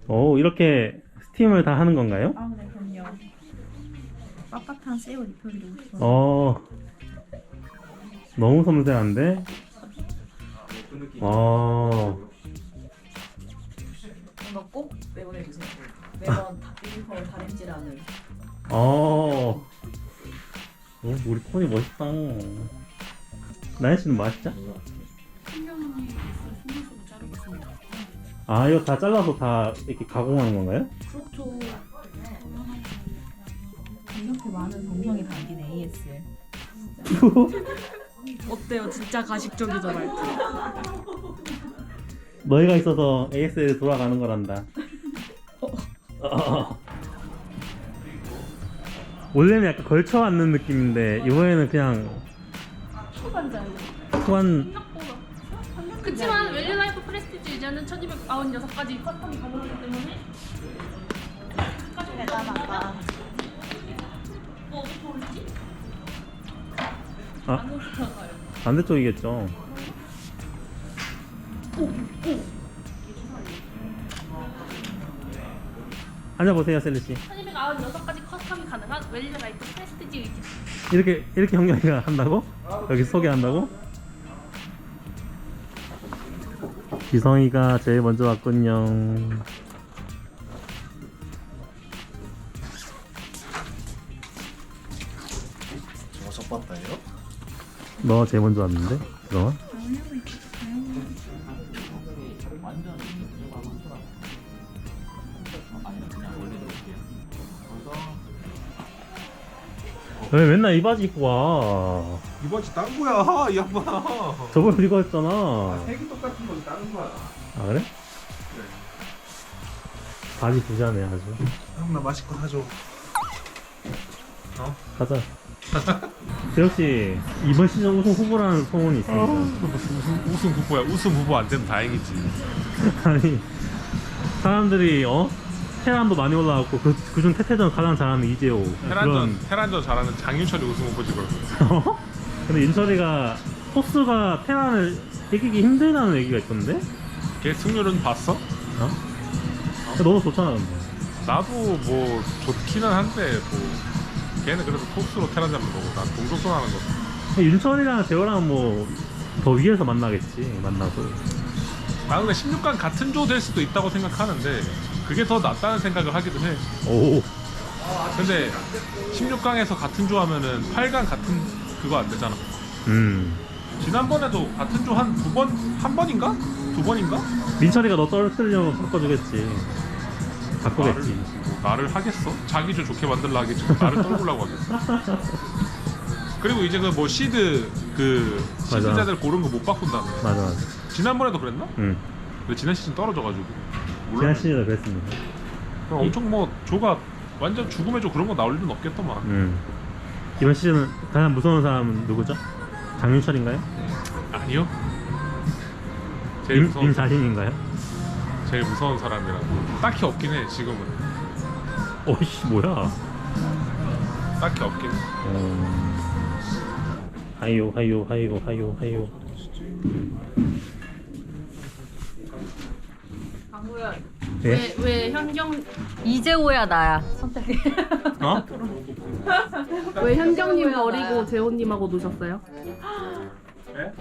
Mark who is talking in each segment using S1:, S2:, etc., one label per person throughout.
S1: 오, 이렇게 스팀을 다 하는 건가요?
S2: 아, 네, 그럼요. 빳빳한 새우 리필도 있어요.
S1: 어, 너무 섬세한데? 어,
S3: 이거 꼭 내보내주세요. 매번 비빔밥을 다림질하는.
S1: 어. 오, 우리 폰이 멋있다. 나연 씨는 맛있죠? 아, 이거 다 잘라서 다 이렇게 가공하는 건가요?
S3: 그렇죠. 이렇게 많은 정성이 담긴 ASL. 어때요? 진짜 가식적이죠 말투.
S1: 너희가 있어서 ASL 돌아가는 거란다. 원래는 약간 걸쳐 앉는 느낌인데 이번에는 그냥 후한.
S4: 그치만 웰리라이프 프레스티지 유저는 1296가지 커스텀이 가능하기 때문에
S2: 대단하다.
S4: 뭐 어떻게 오르지?
S1: 아,
S4: 안 오르잖아요.
S1: 반대쪽이겠죠. 앉아보세요, 셀리씨.
S4: 1296가지 커스텀이 가능한 웰리라이프 프레스티지 유저.
S1: 이렇게 형경이가 한다고? 여기 소개한다고? 지성이가 제일 먼저 왔군요.
S5: 저거 섭봤다예요?
S1: 너 제일 먼저 왔는데? 그동안? 왜 맨날 이 바지 입고 와?
S6: 이 바지 딴 거야 이 양반.
S1: 저번에 이거 했잖아.
S6: 색이 똑같은 거지 다른 거야.
S1: 아 그래? 바지 부자네 아주.
S6: 형 나 맛있고 사줘.
S1: 가자. 재혁씨 이번 시즌 우승 후보라는 소문이 있습니다.
S6: 무슨 우승 후보야? 우승 후보 안 되면 다행이지.
S1: 아니 사람들이 테란도 많이 올라왔고 그중 태태전 가장 잘하는 이재호.
S6: 테란전 잘하는 장윤철이 우승 후보지 그럼.
S1: 근데 윤철이가 토스가 테란을 이기기 힘들다는 얘기가 있던데?
S6: 걔 승률은 봤어?
S1: 너도 좋잖아 근데.
S6: 나도 뭐 좋기는 한데 뭐 걔는 그래도 토스로 테란 잡는 거고 난 동족전 하는 거고.
S1: 윤철이랑 재호랑 뭐 더 위에서 만나겠지. 만나도.
S6: 나 근데 16강 같은 조 될 수도 있다고 생각하는데 그게 더 낫다는 생각을 하기도 해.
S1: 오.
S6: 근데 16강에서 같은 조 하면은 8강 같은 그거 안 되잖아. 지난번에도 같은 조 한 두 번, 한 번인가? 두 번인가?
S1: 민철이가 너 떨어뜨리려면 바꿔주겠지. 바꾸겠지.
S6: 나를 하겠어? 자기 조 좋게 만들려 하겠지. 나를 떨구려고 하겠어. 그리고 이제 그 뭐 시드 시드자들 고른 거 못 바꾼다며.
S1: 맞아.
S6: 지난번에도 그랬나?
S1: 응.
S6: 근데 지난 시즌 떨어져가지고.
S1: 지난 시즌에 그랬습니다.
S6: 그럼 엄청 뭐 조가 완전 죽음의 조 그런 거 나올 일은 없겠더만.
S1: 이번 시즌은 가장 무서운 사람은 누구죠? 장윤철인가요?
S6: 아니요. 제일 무서운
S1: 임자신인가요?
S6: 제일 무서운 사람이라 딱히 없긴 해 지금은.
S1: 어이씨 뭐야?
S6: 딱히 없긴 해.
S1: 하이요.
S4: 강구야.
S1: 예?
S4: 왜 현경
S3: 이재호야 나야. 선택해.
S1: 어?
S4: 왜 현경님 버리고 재호님하고 노셨어요?
S6: 네?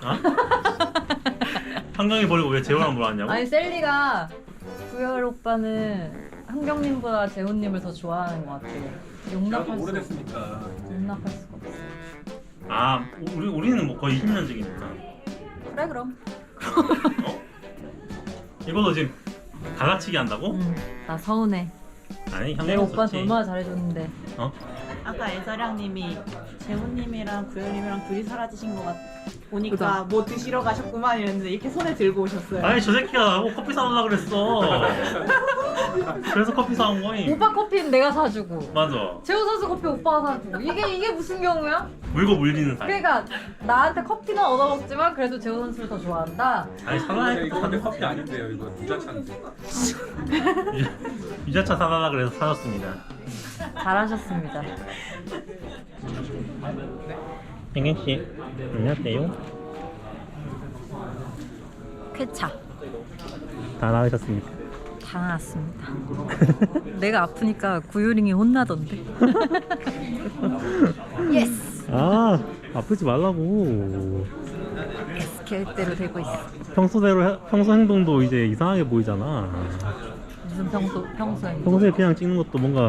S1: 한강이 버리고 왜 재호랑 놀았냐고?
S3: 아니 셀리가 구열 오빠는 한경님보다 재훈님을 더 좋아하는 것 같아요. 용납할 수가 없어. 용납할 수가 없어.
S1: 아 우리는 뭐 거의 20년직이니까.
S3: 그래 그럼.
S1: 이걸로 지금 가가치기 한다고?
S3: 응. 나 서운해.
S1: 아니
S3: 내가 오빠한테 얼마나 잘해줬는데.
S2: 아까 애서량님이 재훈님이랑 구현님이랑 둘이 사라지신 것 보니까 뭐 드시러 가셨구만 이랬는데 이렇게 손에 들고 오셨어요.
S1: 아니 저 새끼가 나보고 커피 사오려고 그랬어. 그래서 커피 사온 거임.
S3: 오빠 커피는 내가 사주고.
S1: 맞아.
S3: 재호 선수 커피 오빠가 사주고. 이게 무슨 경우야?
S1: 물고 물리는 사이.
S3: 그러니까 나한테 커피는 얻어먹지만 그래도 재호 선수를 더 좋아한다.
S1: 아니 사달라니까.
S6: 이거 근데 커피 아닌데요. 이거 부자차인데.
S1: 유자차 사달라 그래서 사줬습니다.
S3: 잘하셨습니다.
S1: 행행씨 안녕하세요.
S3: 쾌차.
S1: 다 나으셨습니까?
S3: 다 나았습니다. 내가 아프니까 구유링이 혼나던데. 예스.
S1: 아 아프지 말라고.
S3: 예스 계획대로 되고 있어.
S1: 평소 행동도 이제 이상하게 보이잖아.
S3: 무슨 평소에.
S1: 평소에 그냥 찍는 것도 뭔가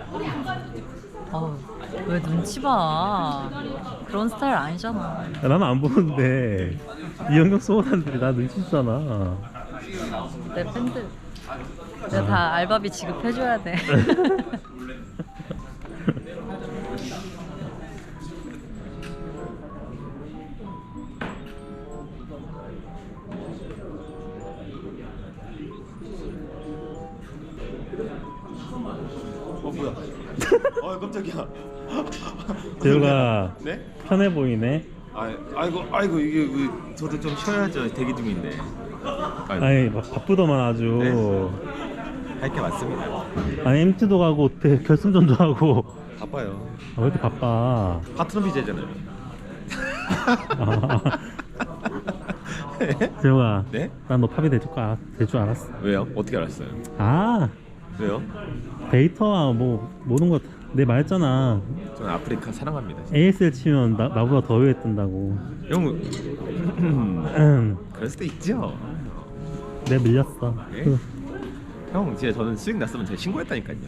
S3: 왜 눈치 봐? 그런 스타일 아니잖아.
S1: 야, 나는 안 보는데 이현경 소원한들이 나 눈치 주잖아.
S3: 내 팬들. 내가 다 알바비 지급해줘야 돼.
S5: 뭐야? 깜짝이야.
S1: 재우가
S5: 네?
S1: 편해 보이네.
S5: 아이고 이게 저도 좀 쉬어야죠. 대기 중인데.
S1: 아니 바쁘더만 아주.
S5: 할 게 많습니다.
S1: 아니 MT도 가고 결승전도 하고.
S5: 바빠요.
S1: 왜 이렇게 바빠?
S5: 파트너 BJ잖아요.
S1: 재우가
S5: 네?
S1: 난 너 팝이 될 줄 알았어.
S5: 왜요? 어떻게 알았어요?
S1: 아
S5: 왜요?
S1: 데이터와 뭐 모든 거 내 말했잖아.
S5: 저는 아프리카 사랑합니다. 진짜.
S1: ASL 치면 나보다 더 위에 뜬다고.
S5: 형, 그럴 수도 있죠.
S1: 내가 밀렸어.
S5: 예? 형, 진짜 저는 수익 났으면 제가 신고했다니까요.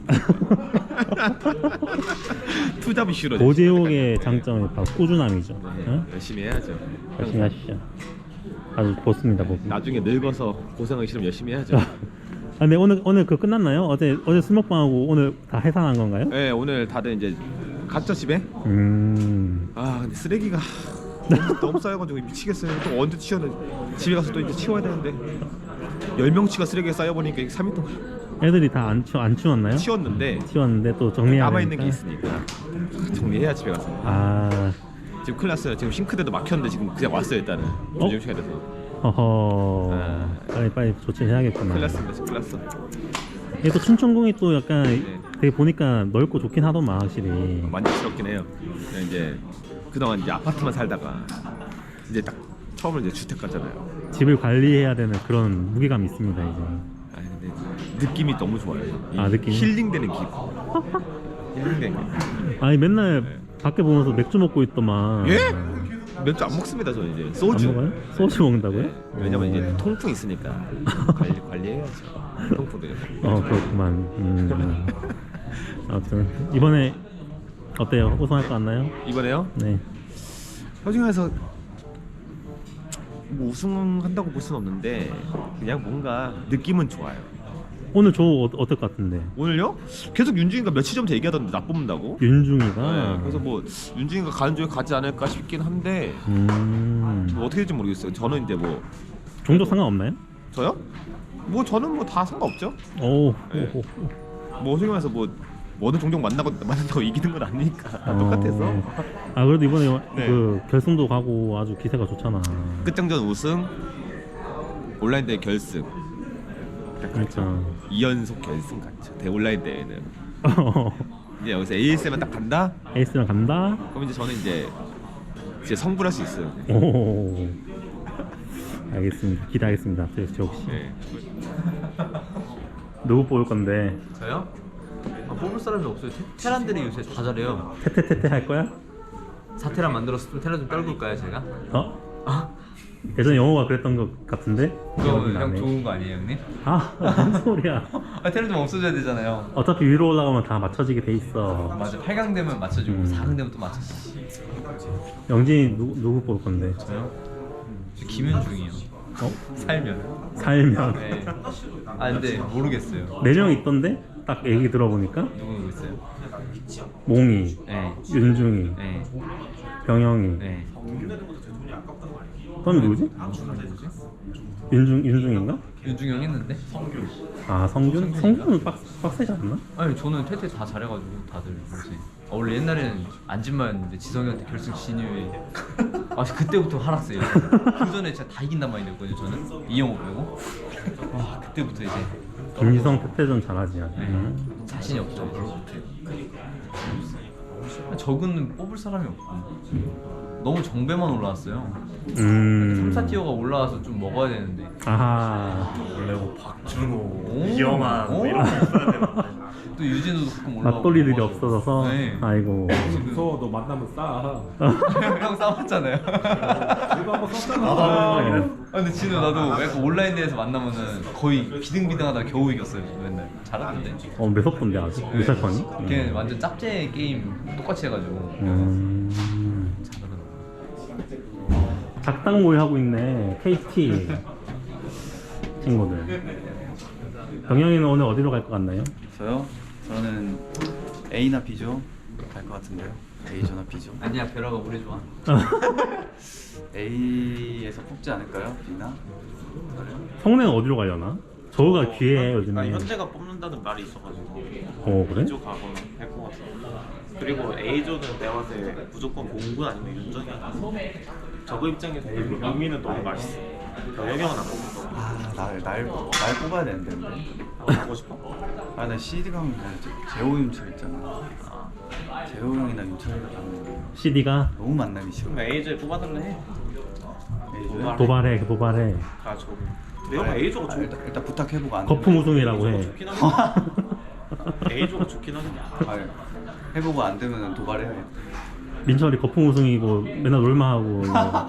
S5: 투잡 이슈로.
S1: 고제옥의 장점이 바로 꾸준함이죠.
S5: 네,
S1: 응?
S5: 열심히 해야죠.
S1: 열심히 하시죠. 아주 좋습니다, 보기.
S5: 나중에 늙어서 고생하기 싫으면 열심히 해야죠.
S1: 아, 근데 오늘 그거 끝났나요? 어제 술 먹방하고 오늘 다 해산한 건가요?
S5: 네, 오늘 다들 이제 갔죠 집에. 근데 쓰레기가 너무 쌓여가지고 미치겠어요. 또 언제 치워는 집에 가서 또 이제 치워야 되는데 10명치가 쓰레기가 쌓여보니까 3일 동안
S1: 애들이 다 안 치웠나요?
S5: 치웠는데
S1: 또 정리해야
S5: 남아있는 게
S1: 되니까.
S5: 있으니까 정리해야 집에 가서.
S1: 아,
S5: 지금 큰일 났어요. 지금 싱크대도 막혔는데 지금 그냥 왔어요 일단은. 조정 시간에 돼서.
S1: 허허.
S5: 아.
S1: 빨리 조치해야겠구나.
S5: 큰일 났습니다. 지금 큰일 났어.
S1: 이게 또 춘천궁이 또 약간
S5: 네.
S1: 되게 보니까 넓고 좋긴 하더만 확실히.
S5: 만족스럽긴 해요. 그냥 이제 그동안 이제 아파트만 살다가 이제 딱 처음으로 이제 주택 갔잖아요.
S1: 집을 관리해야 되는 그런 무게감이 있습니다 이제.
S5: 근데 느낌이 너무 좋아요.
S1: 느낌이?
S5: 힐링되는 기분. 힐링되는 기분.
S1: 아니 맨날 밖에 보면서 맥주 먹고 있더만.
S5: 예? 맥주 안 먹습니다. 저는 이제 소주.
S1: 안 먹어요? 소주 먹는다고요?
S5: 네. 왜냐면 이제 통풍 있으니까 관리해야죠. 통풍도.
S1: 그렇구만. 아무튼 이번에 어때요? 우승할 거 같나요?
S5: 이번에요?
S1: 네.
S5: 솔직해서 뭐 우승한다고 볼 수는 없는데 그냥 뭔가 느낌은 좋아요.
S1: 오늘 어떨 것 같은데?
S5: 오늘요? 계속 윤중이가 며칠 전부터 얘기하던데 나 뽑는다고?
S1: 윤중이가.
S5: 네, 그래서 뭐 윤중이가 가는 쪽에 가지 않을까 싶긴 한데 뭐 어떻게 될지 모르겠어요. 저는 이제 뭐
S1: 종족 상관없나요?
S5: 저요? 뭐 저는 뭐 다 상관없죠.
S1: 오.
S5: 네. 뭐 어떻게 말해서 뭐 어느 종족 만난다고 이기는 건 아니니까 똑같아서.
S1: 아 그래도 이번에
S5: 네.
S1: 그 결승도 가고 아주 기세가 좋잖아.
S5: 끝장전 우승, 온라인 대회 결승.
S1: 그렇죠.
S5: 2연속 결승 갔죠. 온라인 대회는. 이제 여기서 AS만 딱 간다?
S1: 에이스랑 간다.
S5: 그럼 이제 저는 이제 성불할 수 있어요.
S1: 오. 알겠습니다. 기대하겠습니다. 저 혹시
S5: 네.
S1: 누구 뽑을 건데?
S7: 저요? 뽑을 사람이 없어요. 테란들이 요새 다 잘해요.
S1: 테테테테 할 거야?
S7: 사테란 만들었으면 테란 좀 떨굴까요 제가?
S1: 예전에 영호가 그랬던 것 같은데? 기억이 나네.
S7: 좋은 거 아니에요 형님?
S1: 무슨 소리야?
S7: 테란 좀 없어져야 되잖아요.
S1: 어차피 위로 올라가면 다 맞춰지게 돼 있어.
S7: 맞아. 8강 되면 맞춰주고 4강 되면 또 맞춰주고.
S1: 영진이 누구 뽑을 건데?
S7: 저요? 저 김윤중이요. 살면. 네. 근데 모르겠어요.
S1: 4명 있던데? 딱 얘기 들어보니까
S7: 누구 있어요?
S1: 몽이,
S7: 네.
S1: 윤중이,
S7: 네.
S1: 병영이.
S7: 네.
S1: 그럼 누구지? 윤중인가?
S7: 윤중이 형 했는데?
S1: 아 성균? 성균은 빡세지 않나?
S7: 아니 저는 퇴퇴 다 잘해가지고 다들 뭐지? 원래 옛날에는 안진마였는데 지성이한테 결승 진입에 그때부터 하락세요. 그 전에 진짜 다 이긴단 말이었거든요. 저는 이영호 빼고 그때부터 이제
S1: 김지성 태태전 잘하지.
S7: 자신이 없어요. 적은 뽑을 사람이 없고 너무 정배만 올라왔어요. 3, 4티어가 올라와서 좀 먹어야 되는데.
S1: 아하.
S8: 원래 뭐 박준호,
S7: 오.
S8: 이영환 뭐 이런 거 있어야 되는데.
S7: 또 유진우도 가끔 올라오고.
S1: 맞돌이들이 없어져서.
S7: 네.
S1: 아이고.
S6: 무서워 너 만나면 싸.
S7: 형 싸웠잖아요.
S6: 이거 한번 썼잖아.
S7: 아, 근데 진우 나도 약간 온라인 대회에서 만나면은 거의 비등비등하다 겨우 이겼어요. 맨날 잘하는데.
S1: 매섭던데 아직 유세판이?
S7: 걔는 완전 짭제 게임 똑같이 해가지고 잘하더라고.
S1: 작당 모의 하고 있네. KT 친구들. 병영이는 오늘 어디로 갈 것 같나요?
S9: 저요? 저는 A나 B죠? 갈 것 같은데요. A조나 B죠?
S7: 아니야 베라가 우리 좋아.
S9: A에서 뽑지 않을까요? B나?
S1: 성내는 어디로 가려나? 저우가 귀해 요즘에.
S8: 현재가 뽑는다는 말이 있어가지고
S1: 그래?
S8: B조 가거나 할 것 같아. 그리고 A조는 내가 봤을 때 무조건 공군 아니면 윤정이야. 저거 입장에서 영민은 너무 맛있어. 병영은 안 먹어.
S9: 아, 날 뽑아야 되는데.
S8: 가고 싶어?
S9: 아, 나 CD 가면 그냥 재호 윤철 있잖아. 재호 형이나 윤철이가 가면
S1: CD가
S9: 너무 만나기 싫어.
S8: 그럼 A조에 뽑아달래 해.
S9: A조야?
S1: 도발해.
S8: 가 저거. 내가 A조가 좋.
S9: 일단 부탁해보고 안
S1: 거품 우승이라고 해.
S8: 좋긴 하겠다. A조가 좋긴 하겠다.
S9: 아, 해보고 안 되면 도발해야겠다.
S1: 민철이 거품 우승이고 맨날 롤만 하고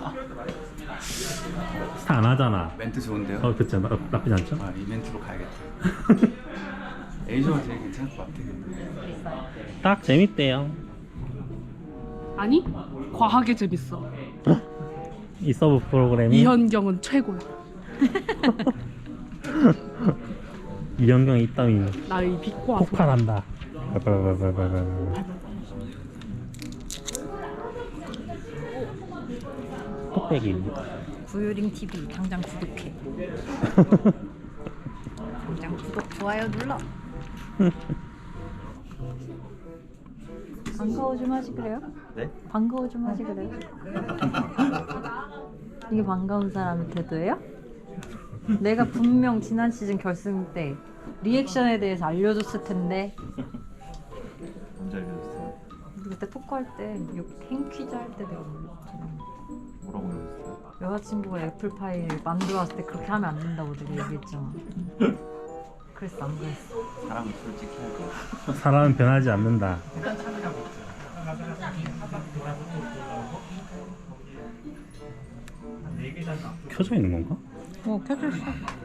S1: 스타 안 하잖아.
S9: 멘트 좋은데요?
S1: 그치 나쁘지 않죠?
S9: 아, 이 멘트로 가야겠다. A조가 제일 괜찮을 것 같아.
S1: 딱 재밌대요.
S10: 아니 과하게 재밌어.
S1: 이 서브 프로그램이
S10: 이현경은 최고야.
S1: 이현경이 있다미
S10: 나의 빛과
S1: 폭발한다. 톡배기.
S3: 구유링 TV 당장 구독해. 당장 구독 좋아요 눌러. 반가워 좀 하지 그래요?
S9: 네?
S3: 반가워 좀 하지 그래요? 이게 반가운 사람의 태도예요? 내가 분명 지난 시즌 결승 때 리액션에 대해서 알려줬을 텐데.
S9: 언제 알려줬어요?
S3: 그때 토크할 때 행퀴즈 할 때 내가 몰랐잖아.
S9: 뭐라고 그랬어요?
S3: 여자친구가 애플파이 만들어 왔을 때 그렇게 하면 안 된다고 내가 얘기했잖아. 그랬어 안 그랬어?
S9: 사람은 솔직히 하고.
S1: 사람은 변하지 않는다. 켜져 있는 건가?
S3: 켜져 있어.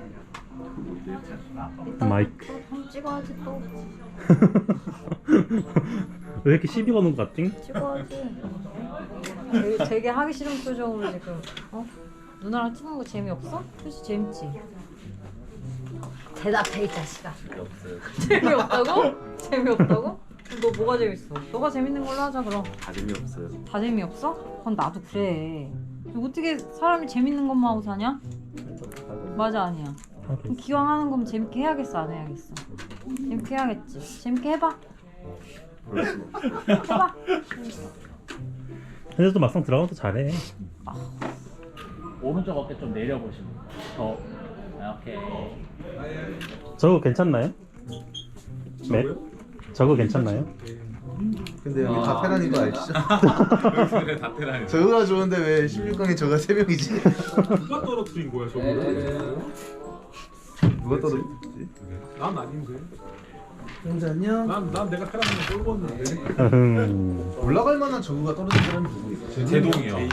S1: 마이크.
S3: 한번 찍어야지 또.
S1: 왜 이렇게 시비 거는 것 같지?
S3: 찍어야지. 되게 하기 싫은 표정으로 지금. 누나랑 찍는 거 재미없어? 그치 재밌지? 대답해 이 자식아. 재미없다고? 재미없다고? 너 뭐가 재밌어? 너가 재밌는 걸로 하자 그럼.
S9: 다 재미없어요.
S3: 다 재미없어? 그건 나도 그래. 어떻게 사람이 재밌는 것만 하고 사냐? 맞아 아니야. 그럼 기왕 하는 거면 재밌게 해야겠어 안 해야겠어? 재밌게 해야겠지. 재밌게 해봐. 해봐.
S1: 근데 또 막상 들어가면 또 잘해.
S11: 오른쪽 어깨 좀 내려보시면 더 이렇게.
S1: 저거 괜찮나요? 네? 저거 괜찮나요?
S5: 근데 여기 다 테란인 거 아시죠?
S6: 그래 다 테란이.
S5: 저거가 좋은데 왜 16강에 저가 3명이지?
S6: 누가 떨어뜨린 거야 저거를?
S5: 누가 떨어졌지?
S6: 난 아닌데.
S5: 형제 안녕?
S6: 난 내가 테란을 떨궜는데.
S5: 올라갈 만한 저거가 떨어진 사람이 누구 있어?
S6: 제동이 형.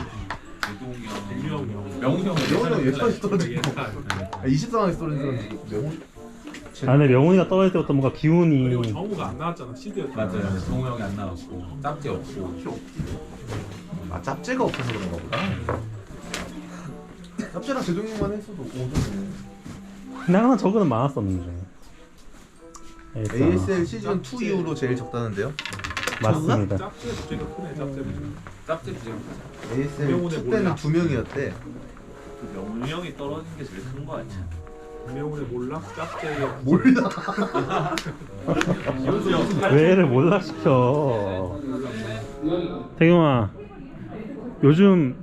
S6: 명훈이 형.
S5: 명훈이 형 예까지 떨어진 거 20상황에서 떨어진 사람 누구? 명훈?
S1: 아 근데 명훈이가 떨어질 때부터 뭔가 기운이.
S6: 그리고 정우가 안 나왔잖아 시드였잖아.
S11: 맞아요. 정우 형이 안 나왔고 짭지 없고.
S5: 아 짭제가 없어서 그런가 보다. 짭제랑 제동이만 했어도 5점이네.
S1: 근데 항상 저거는 많았었는데.
S5: ASL 시즌 2 이후로 제일 적다는데요?
S1: 맞습니다.
S6: 짭제 부재가 크네 짭제 부재.
S11: 짭지 부정.
S5: ASL
S6: 명훈의
S5: 2 때는
S6: 몰라.
S5: 2명이었대.
S8: 명훈이 형이 떨어진 게 제일 큰 거 아니야?
S6: 명훈의 몰라? 짭제의
S5: 몰라.
S1: 왜 애를 몰라 시켜. 태경아, 요즘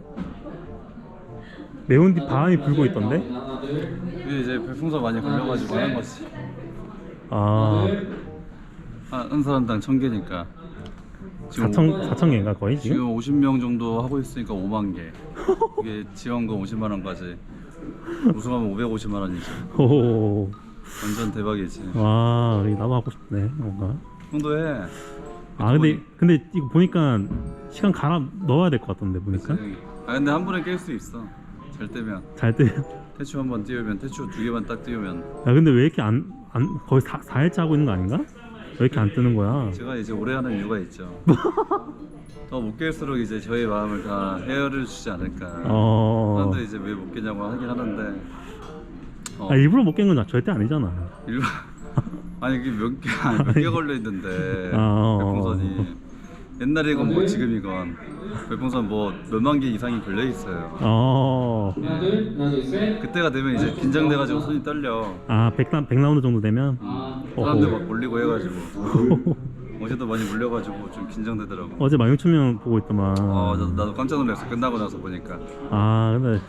S1: 매운 뒤 바람이 불고 있던데?
S9: 이제 별풍선 많이 걸려가지고 하는 거지.
S1: 아,
S9: 한 사람당 1000개니까 지금
S1: 4천 개인가 거의 지금?
S9: 지금 50명 정도 하고 있으니까 5만 개. 이게 지원금 50만 원까지 우승하면 550만 원이지.
S1: 오,
S9: 완전 대박이지.
S1: 와, 나도 하고 싶네 뭔가.
S9: 형도 해.
S1: 아 근데 이거 보니까 시간 갈아 넣어야 될 것 같던데 보니까.
S9: 아 근데 한 번에 깰 수 있어. 잘 뜨면.
S1: 잘 때.
S9: 태추 한 번 띄우면 태추 2개만 딱 띄우면.
S1: 야 근데 왜 이렇게 안 거의 4일째 하고 있는 거 아닌가? 왜 이렇게 안 뜨는 거야?
S9: 제가 이제 오래 하는 이유가 있죠. 더 못 깰수록 이제 저의 마음을 다 헤아려 주지 않을까. 사람들이 이제 왜 못 깨냐고 하긴 하는데.
S1: 아, 일부러 못 깬 건 절대 아니잖아.
S9: 일부러. 아니 이게 몇 개 걸려 있는데 별풍선이 옛날이건 뭐 지금이건 별풍선 뭐 몇만 개 이상이 걸려 있어요. 그때가 되면 이제 긴장돼가지고 손이 떨려.
S1: 아 100라운드 정도 되면
S9: 사람들 막 몰리고 해가지고 어제도 많이 몰려가지고 좀 긴장되더라고.
S1: 어제 16,000명 보고 있더만.
S9: 나도 깜짝 놀랐어. 끝나고 나서 보니까.
S1: 아 근데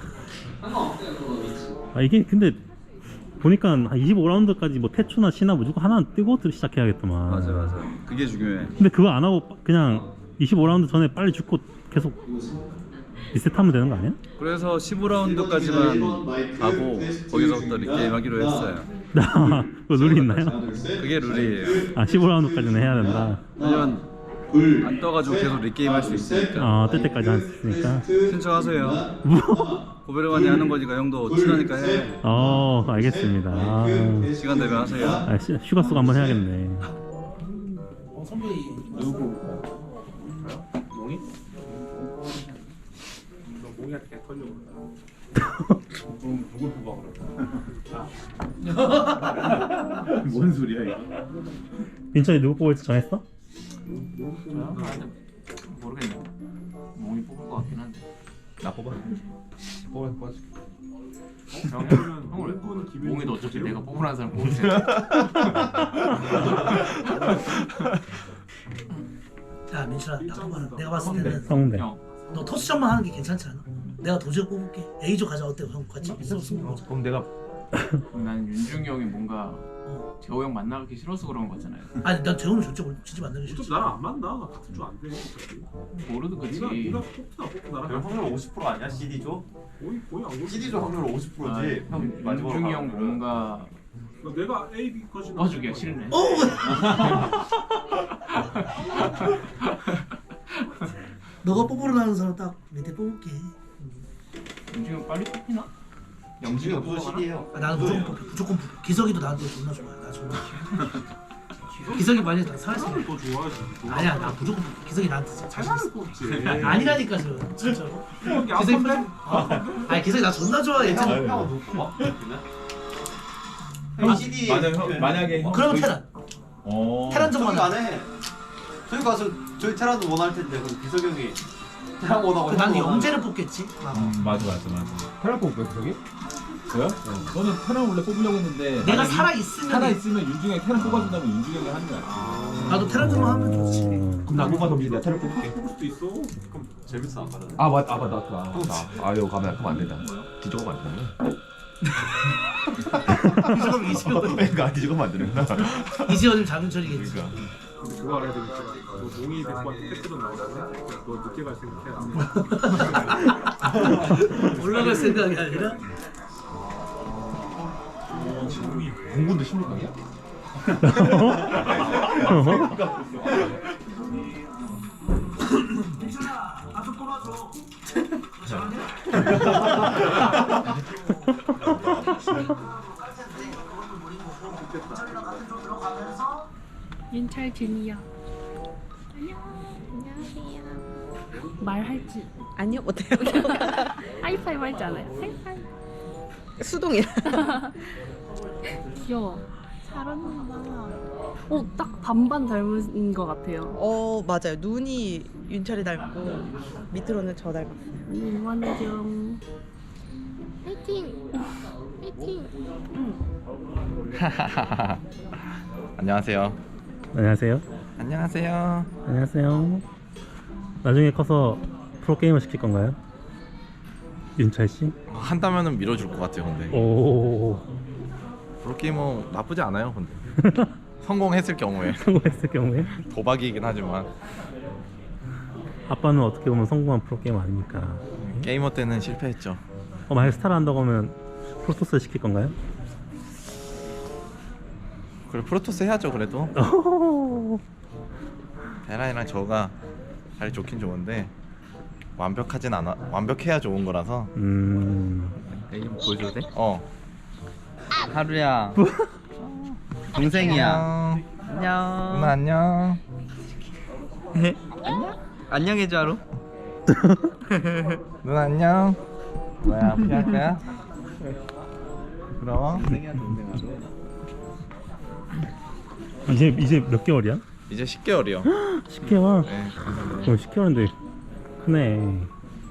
S1: 이게 근데 보니까 한 25라운드까지 뭐 태초나 시나 무조건 하나 뜨고 시작해야겠더만.
S9: 맞아. 그게 중요해.
S1: 근데 그거 안 하고 그냥 25라운드 전에 빨리 죽고 계속 리셋하면 되는 거 아니야?
S9: 그래서 15라운드까지만 가고 거기서부터 리게임 하기로 했어요.
S1: 그거 룰이 있나요?
S9: 그게 룰이에요.
S1: 아 15라운드까지는 해야 된다.
S9: 왜냐면 안 떠가지고 계속 리게임 할 수 있으니까.
S1: 뜰 때까지 할 수 있으니까.
S9: 신청하세요. 고베르만이 하는 거니까 형도 친하니까 해.
S1: 알겠습니다.
S9: 시간 되면 하세요.
S1: 휴가 쓰고 한번 해야겠네.
S11: 선배이 누구? 몽이?
S6: 너 몽이한테 털려 그러다. 누굴 뽑아 그러다.
S11: 뭔 소리야 이거?
S1: 민철이 누구 뽑을지 정했어?
S11: 모르겠네. 몽이 뽑을 것 같긴 한데.
S7: 나 뽑아. 뽑아줄게.
S11: 몽이도 어차피 내가 뽑으라는 사람 뽑을 테니까.
S12: 야 민철아 나 봐라. 내가 봤을 때는
S1: 성대.
S12: 너 토스전만 하는 게 괜찮지 않아? 내가 도저히 뽑을게. A조 가자. 어때? 형 같이 승부 보자.
S7: 그럼 내가
S11: 난 윤중이 형이 뭔가 재호 형 만나기 싫어서 그런 거잖아요.
S12: 아니 난 재훈은 진짜 만나기 싫어.
S6: 나랑 안 만나. 같은 조 안 돼.
S11: 모르도 그치.
S6: 네가 뽑든 나랑.
S8: 확률 50% 아니야 CD조?
S6: 거의 안
S8: CD조 확률 50%지.
S11: 윤중이 형 뭔가
S6: 내가 A, B 거지.
S11: 도와주기가 싫네.
S12: 너가 뽑으라는 사람 딱 밑에 뽑을게.
S11: 윤중이 형 빨리 뽑히나?
S8: 영진이가 무슨 CD예요?
S12: 나는 무조건 뽑혀. 무조건 뽑혀. 기석이도 나한테 존나 좋아해. 나 존나 좋아. 기석이 많이 살았으면
S6: 더 좋아하지.
S12: 아니야 나 무조건 뽑혀. 기석이 나한테 진짜 자신 있어.
S6: 뽑지.
S12: 아니라니까 저 진짜로. 기석이 아니 기석이 나 존나 좋아해.
S8: 형은 누구 뽑아? CD
S11: 만약에
S12: 그럼 테란. 테란 정만
S8: 안 해. 저희 가서 저희 테란도 원할 텐데 그럼 비석이 형이 테란 원하고.
S12: 나는 영재를 뽑겠지.
S11: 맞아. 테란 뽑을 거야 저기? 저요? 너는 테란 원래 뽑으려고 했는데
S12: 내가 살아 있으면
S11: 윤중이 형이 테란 뽑아준다면 윤중이 형이 하는 거야.
S12: 나도 테란 정만 하면 좋지.
S11: 그럼 나 뽑아서 내가 테란 뽑을게.
S6: 뽑을 수도 있어.
S8: 그럼 재밌어 안 가잖아.
S7: 맞다. 이거 가면 그럼 안 된다. 뒤져가면 안 된다. 그러니까 뒤져가면 안 되는구나.
S12: 이지현은 장윤철이겠지.
S6: 그거 알아야 되겠다. 너 몽이 데리고 왔을 때 패스로 나오잖아. 너 늦게 갈 생각해.
S12: 올라갈 생각이 아니라.
S7: 공군도 16강이야?
S12: 나도 뽑아줘.
S10: 윤철 준이야. 안녕하세요. 말할지
S2: 아니요 못해요.
S10: 하이파이브 할지 않아요? 하이파이브.
S2: 수동이야.
S10: 귀여워. 잘한다. 딱 반반 닮은 것 같아요.
S2: 맞아요. 눈이 윤철이 닮고 밑으로는 저 닮았어요.
S10: 이완경. 파이팅. 파이팅.
S7: 안녕하세요.
S1: 안녕하세요.
S7: 안녕하세요.
S1: 안녕하세요. 나중에 커서 프로게이머 시킬 건가요? 윤철 씨?
S7: 한다면은 밀어줄 것 같아요. 근데
S1: 오.
S7: 프로게이머 나쁘지 않아요. 근데
S13: 성공했을 경우에.
S1: 성공했을 경우에?
S13: 도박이긴 하지만
S1: 아빠는 어떻게 보면 성공한 프로게이머 아닙니까?
S13: 게이머 때는 실패했죠.
S1: 만약 스타를 한다고 하면 프로토스를 시킬 건가요?
S13: 그래 프로토스 해야죠 그래도. 베라이랑 저가 자리 좋긴 좋은데 완벽하진 않아. 완벽해야 좋은 거라서.
S7: 내 이름 보여줘도 돼?
S13: 어.
S7: 하루야. 동생이야. 안녕.
S13: 누나 안녕.
S7: 안녕. 안녕해줘 하루.
S13: 누나 안녕. 뭐야 피할 거야? 부러워?
S7: 동생이야 동생 하루.
S1: 이제 몇 개월이야?
S13: 이제 10개월이요.
S1: 10개월?
S13: 네.
S1: 그럼 10개월인데 크네.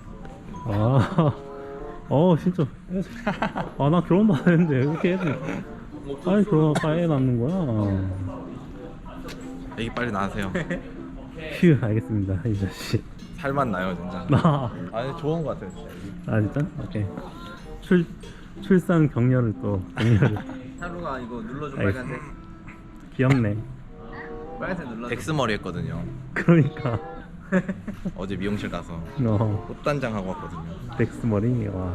S1: 진짜. 나 결혼도 안 했는데 왜 이렇게 애들 빨리 애 낳는 거야?
S13: 애기 빨리 낳으세요.
S1: 휴, 알겠습니다 이 자식.
S13: 살만 나요 진짜. 아니 좋은 거 같아요 진짜.
S1: 진짜? 오케이. 출산 격려를 또
S7: 하루가 이거 눌러줘
S1: 알겠어.
S7: 빨간색.
S1: 귀엽네.
S7: 빨간색 눌러줘.
S13: 엑스머리 했거든요.
S1: 그러니까
S13: 어제 미용실 가서 꽃단장 하고 왔거든요.
S1: 넥스 머리. 와.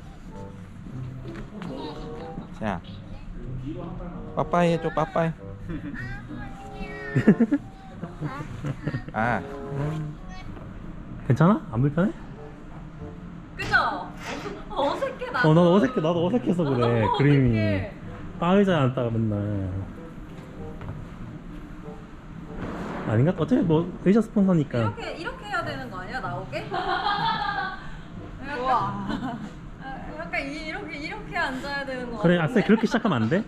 S13: 자 빠빠이 해줘 빠빠이. 아
S1: 괜찮아? 안 불편해?
S3: 그죠? 어색해 나.
S1: 나도 어색해서 그래. 그림이 빠의자에 앉다가 맨날. 아닌가? 어차피 뭐 의자 스폰서니까.
S3: 이렇게 해야 되는 거 아니야 나오게? 약간 이렇게 앉아야 되는 거.
S1: 그래, 악셀 그렇게 시작하면 안 돼?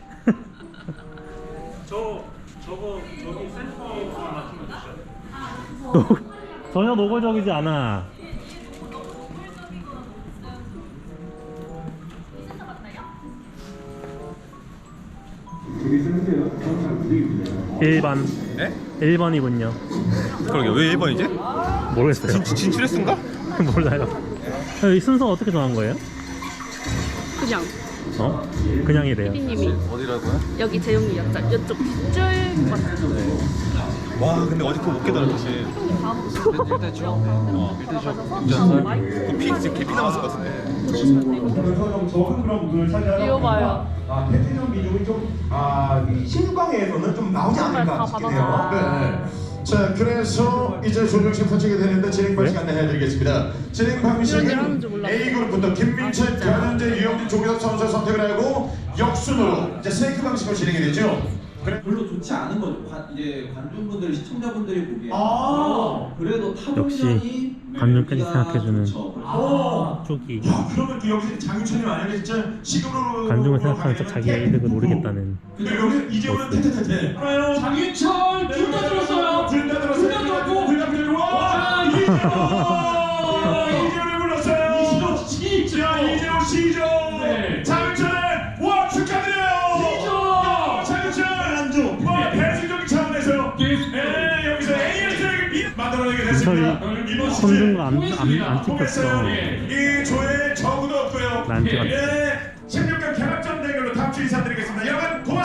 S6: 저거 저기 센터 맞추면 되죠.
S1: 전혀 노골적이지 않아. 일반.
S5: 네?
S1: 1번이군요.
S5: 그러게 왜 1번이지?
S1: 모르겠어요.
S5: 진출했은가?
S1: 몰라요. 이 순서 어떻게 정한 거예요?
S10: 그냥
S1: 그냥이래요.
S10: 피디님이
S13: 어디라고요?
S10: 여기 재용이 옆쪽 이쪽 쭉 맞춰.
S5: 와 근데 어제 그거 못 깨달아 사실.
S7: 일단 줘. 일단 줘.
S5: 그 피 지금 개피 남았을 것 같은데.
S14: 적은 그런 부분을 차지하다
S10: 이거 봐요.
S14: 패티전 민족이 좀 16강에서는 좀 나오지 않을까 싶긴 해요. 네. 자, 그래서 이제 조정식 펼치게 되는데 진행 방식 안내해드리겠습니다. 진행 방식은 A그룹부터 김민철, 변현재, 유영진, 조기석 선수 선택을 하고 역순으로 이제 스네이크 방식으로 진행이 되죠.
S11: 별로 좋지 않은 거죠. 이제 관중분들, 시청자분들이 보기에. 그래도
S1: 역시
S11: 타동량이
S1: 관중까지 생각해주는
S11: 그렇죠.
S1: 쪽이.
S14: 그러면 그 여기서 장윤철이 만약에 진짜 시금으로
S1: 관중을 생각하면 저 자기의 이득을 모르겠다는.
S14: 근데 여기 이재호는 태태태태. 장윤철 둘 다 들었어요. 둘 다 들었고 둘 다 들고 와. 이재호를 불렀어요. 이재호 시죠. 자 이재호 시죠. 장윤철의 와 축하드려요. 시죠. 장윤철 안주. 와 배승적인 차원에서 여기서 AS를 만들어내게 됐습니다.
S1: 손든 거안 찍혔어.
S14: 이 조에 저구도 없고요.
S1: 난 찍었어.
S14: 16강 개막전 대결로 다음 주 인사드리겠습니다. 여러분 고맙습니다.